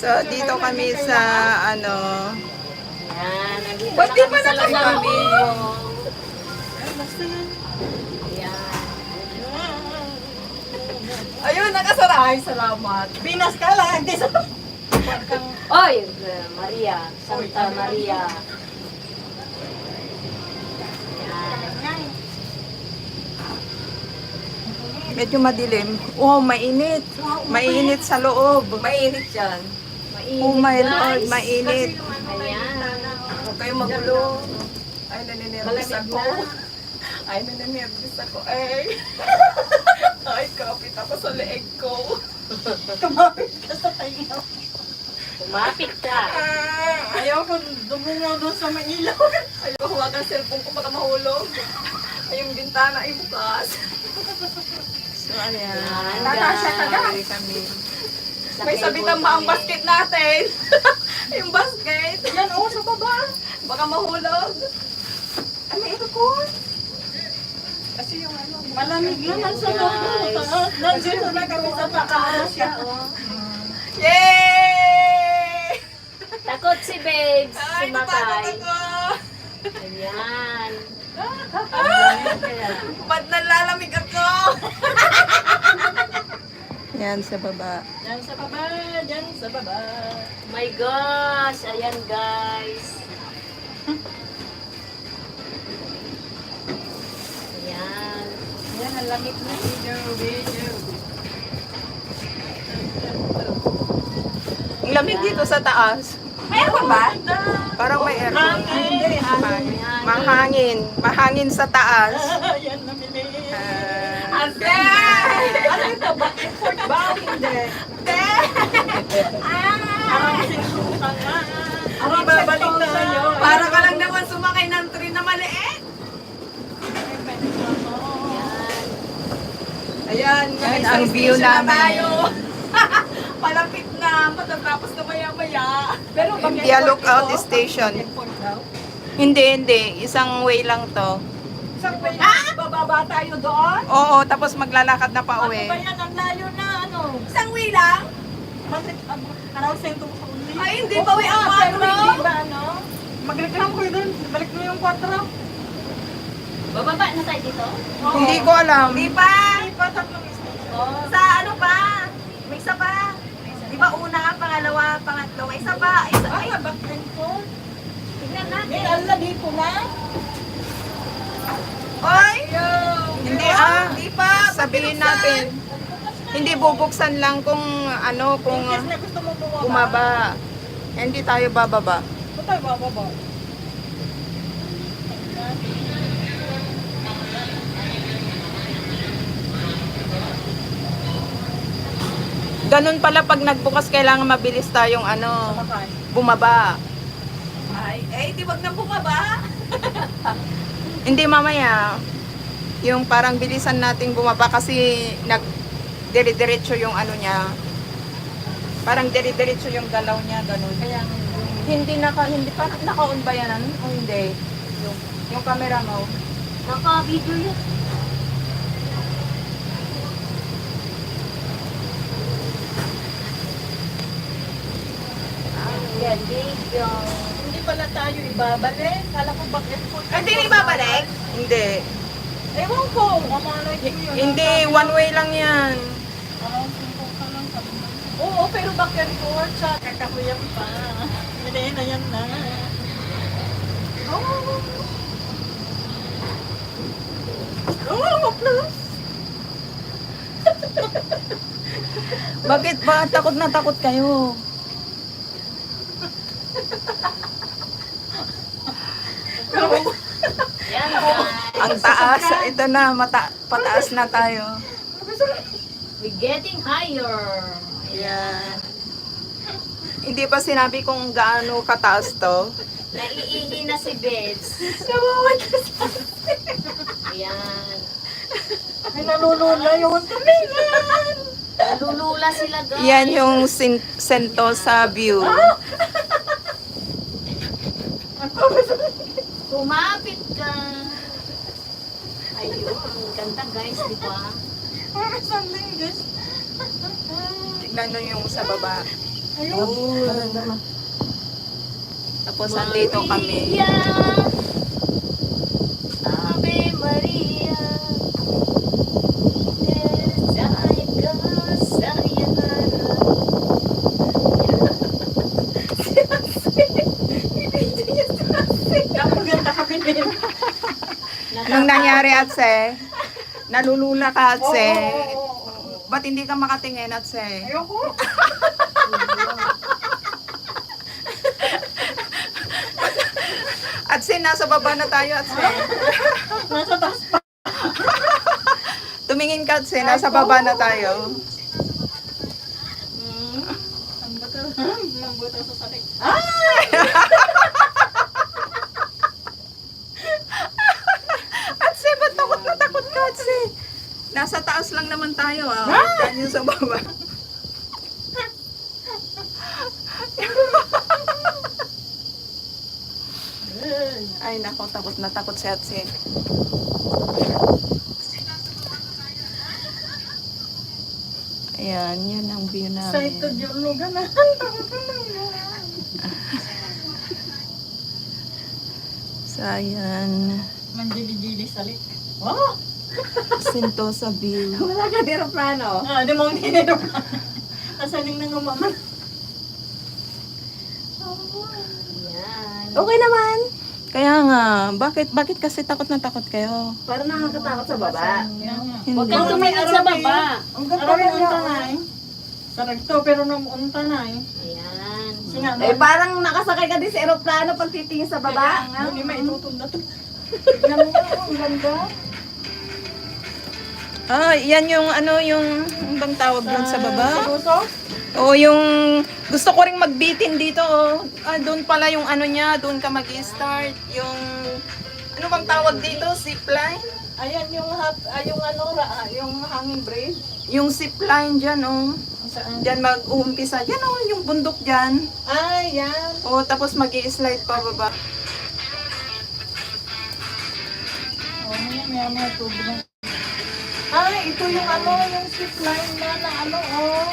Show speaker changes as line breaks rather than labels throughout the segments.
So, dito kami sa, ano,
Yan, nandito
Ba't
na
di
kami
pa
sa
nakakami?
Lasal. Yan.
ayun, nakasara. Ay, salamat.
Binas ka lang. Hindi sa...
Oy, Maria, Santa Maria. Yan.
Medyo madilim. Oh, mainit. Mainit sa loob. Mainit yan. Oh my Lord, mainit.
Ayan.
Huwag kayong magulo. Ay, naninervous
Malamig
ako.
na.
Ay, naninervous ako. Ay. Ay, kapit ako sa leeg ko.
Tumapit ka sa tayo.
Kumapit ka.
Ayaw ko dumungaw doon sa Manila.
Ayaw hawakan ang cellphone ko baka mahulog. Ay, yung bintana ay bukas. So, ayan.
Ayan,
Natasha ka na.
guys.
Kami.
Sa
May sabitan ba ang
kami.
basket natin? yung basket.
Yan, oo, sa baba.
Baka mahulog. Ay, may aircon. Kasi yung ano.
Malamig naman sa
Guys.
loob. Nandito na kami sa taas.
Yay!
Takot si Babes.
Ay,
Sumakay.
natakot ako.
Ayan.
Ba't nalalamig ako? Yan sa baba.
Yan sa baba, yan sa baba.
My gosh. Ayan, guys. Ayan.
Yan, ang lamig na. Video.
Ang lamig dito sa taas. May aircon ba? Parang may aircon.
Hindi,
Mahangin. Mahangin. Mahangin sa taas.
Yan, namili.
Ate!
Ano ito? Bakit food ba? Hindi. Parang sinusukan na. Ang babalik tayo.
Para ka lang naman sumakay ng train na maliit. Ayan,
Ayan,
ang view
station na
namin.
tayo.
Palapit na, matatapos na maya-maya.
Pero
India Lookout Station. Hindi. Isang way lang to.
Isang ba yan? Bababa tayo doon?
Oo, tapos maglalakad na pa
Ano
uwi.
ba yan? Ang layo na ano?
Isang way lang?
Around sento sa uli.
Ay, hindi pa way ang
Pero
kwatro.
hindi ba ano? Magreklamo ko doon. Balik mo yung 4.
Bababa na tayo dito?
Hindi ko alam.
Di pa!
Hindi pa tatlong station.
Sa ano pa? May isa pa. Di ba una, pangalawa, pangatlo, may isa pa. Isa, ay,
Ay, back and forth.
tignan natin.
May ala dito na.
Oy!
Hindi
Di pa!
Sabihin natin. Hindi bubuksan lang kung ano, kung
Yes, na gusto mo bumaba.
bumaba. Hindi tayo bababa.
Ba't tayo bababa?
Ganun pala pag nagbukas, kailangan mabilis tayong ano,
Makay.
bumaba.
Ay, di wag na bumaba.
Hindi mamaya. Yung parang bilisan nating bumaba kasi dire-diretso yung ano niya. Parang dire-diretso yung galaw niya, ganun.
Kaya
Hindi pa naka-on ba yan? O hindi? Yung camera mo.
Naka-video yun. Yan, video.
hindi pala tayo ibabalik. Kala ko back and forth.
Hindi na ibabalik.
Hindi.
Ewan ko. Kamalay ko yun.
Hindi, one way lang yan.
Around sento ka lang. sabi mo. Oo, pero back and forth siya. Kakakuyan pa. Hindi na yan na. Oh, plus.
Bakit ba? Takot na takot kayo.
Yan, guys.
Ang taas. Ito na, pataas na tayo.
We're getting higher.
Ayan. Hindi pa sinabi kung gaano kataas to.
Naiihi na si Babes. Ayan.
Ay, nalulula yung tumingin.
Nalulula sila, guys.
Yan yung Sentosa view.
Kumapit ka. Ayun, ang ganda guys, di ba?
Parang isang linggis.
Tignan nyo yung sa baba. Tapos andito kami.
Maria, Ave Maria, desaya ka sa iyanara.
Napaganda kami din.
Anong nangyari, Atse? Nalulula ka, Atse. Ba't hindi ka makatingin, Atse?
Ayoko.
Atse, nasa baba na tayo, Atse.
Nasa taas pa.
Tumingin ka, Atse. Nasa baba na tayo.
Ang buto sa sarik.
Atse, ba't takot na takot ka, Atse? Nasa taas lang naman tayo, ah. Yan yung sa baba. Ay, nako, takot na takot si Atse. Ayan, yan ang view namin.
Excited yung lugar na.
So, ayan.
Manjili-jili salik. Oh!
Sentosa view.
Wala ka di aeroplano.
Di mo ang dinero ka. Asaling nang umaman.
Yan.
Okay naman.
Kaya nga, bakit kasi takot na takot kayo?
Parang nakakatakot sa baba.
Hindi.
Huwag kang tumingin sa baba.
Ang ganda unta na eh. Saragto pero nung unta na eh.
Ayan.
Sinama.
Eh parang nakasakay ka din sa aeroplano pag titingin sa baba.
Hindi maitutunda to. Tignan mo ang ganda.
Ah, yan yung yung bang tawag doon sa baba?
Sa puso?
O yung gusto ko ring magbitin dito, oh. Ah, doon pala yung ano niya, doon ka mag-start. Yung ano bang tawag dito? Zipline?
Ayan yung yung hanging bridge.
Yung zipline diyan, oh.
Saan?
Diyan mag-uumpisa. Yan, oh, yung bundok diyan.
Ay, yan.
O, tapos mag-i-slide pa baba.
Oh, may tubig na. Ay, ito yung yung zip line na oh.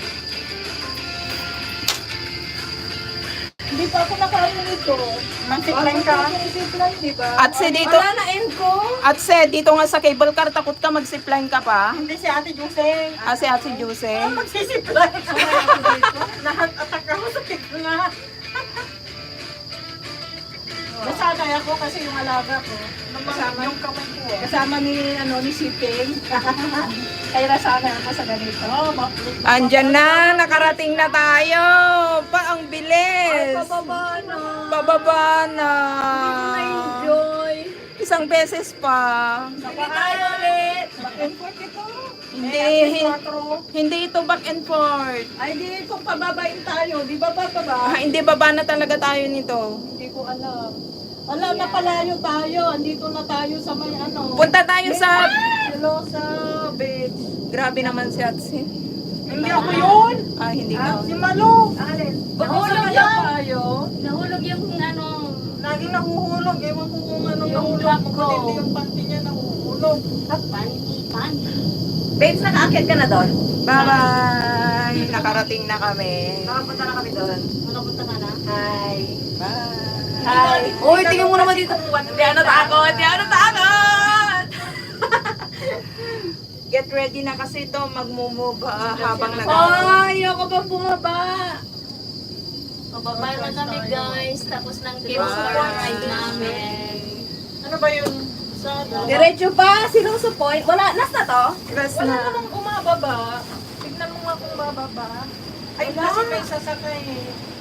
Hindi pa ako nakaano nito. Mag-zip line ka? Zip line, di ba?
At si dito,
Wala na end ko.
at si dito nga sa cable car, takot ka mag-zipline ka pa?
Hindi si Ate Jose.
Ah, si Ate Jose.
Magsisip line. Lahat atak ako sa tikla. Nasanay ako kasi yung alaga ko. Kasama yung kamay ko.
Kasama ni Shipping. Kaya nasanay ako sa ganito.
Oh, mapulit.
Andyan na, nakarating na tayo. Pa, ang bilis.
Pababa na.
Pababa na.
Na-enjoy.
Isang beses pa.
Sige tayo ulit.
Back and forth ito.
Hindi ito back and forth.
Ay, di kung pababain tayo. Di ba bababa?
Ah, hindi baba na talaga tayo nito.
Hindi ko alam. Alam na palayo tayo. Andito na tayo sa may
Punta tayo sa...
Silosa Beach.
Grabe naman si Atsi.
Hindi ako yun.
Ah, hindi ka.
Si Malo.
Alin?
Nahulog
Nakasakay
yan.
tayo.
Nahulog yung
Laging nahuhulog. Ewan ko kung ano
Yung
nahulog.
crab
Kung
ko.
hindi yung panty niya nahuhulog.
panty.
Babes, nakaakyat ka na doon?
Bye-bye. Nakarating na kami.
Nakapunta na kami doon.
Nakapunta ka na?
Hi.
Bye.
Hi. Uy, tingnan mo naman dito. Hindi ako natakot. Hindi ako natakot.
Get ready na kasi ito. Mag-move habang nag...
Ay, ayoko pa bumaba.
Pababa na kami guys. Tapos ng
Bye.
ride namin.
Ano ba yun? Sa
Diretso pa. Sinuso point. Wala. Last na to?
Rest
Wala
na.
namang umababa. Tignan mo nga kung bababa. Ay, kasi may sasakay eh.